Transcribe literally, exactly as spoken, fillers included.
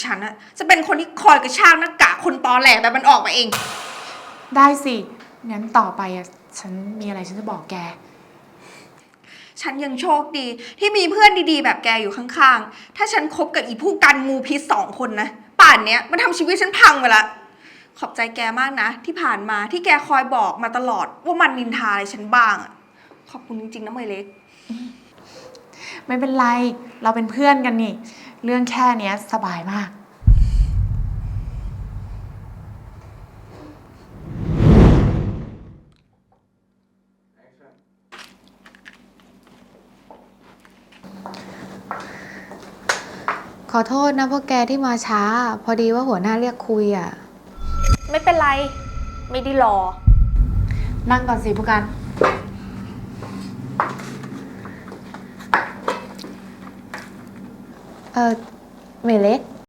ฉันอะจะเป็นคนที่คอยกระชากหน้ากากคนตอแหลแบบมันออกมาเองได้สิงั้นต่อไปอ่ะฉันมีอะไรฉันจะบอกแกฉันยังโชคดีที่มีเพื่อนดีๆแบบแกอยู่ข้างๆ ถ้าฉันคบกับอีผู้กันงูพิษสองคนนะป่านเนี้ยมันทำชีวิตฉันพังไปละขอบใจแกมากนะที่ผ่านมาที่แกคอยบอกมาตลอดว่ามันนินทาอะไรฉันบ้างอะขอบคุณจริงๆนะเมยเล็กไม่เป็นไรเราเป็นเพื่อนกันนี่เรื่องแค่เนี้ยสบายมากขอโทษนะพวกแกที่มาช้าพอดีว่าหัวหน้าเรียกคุยอ่ะไม่เป็นไรไม่ได้รอนั่งก่อนสิผู้กันเออเมเล็ก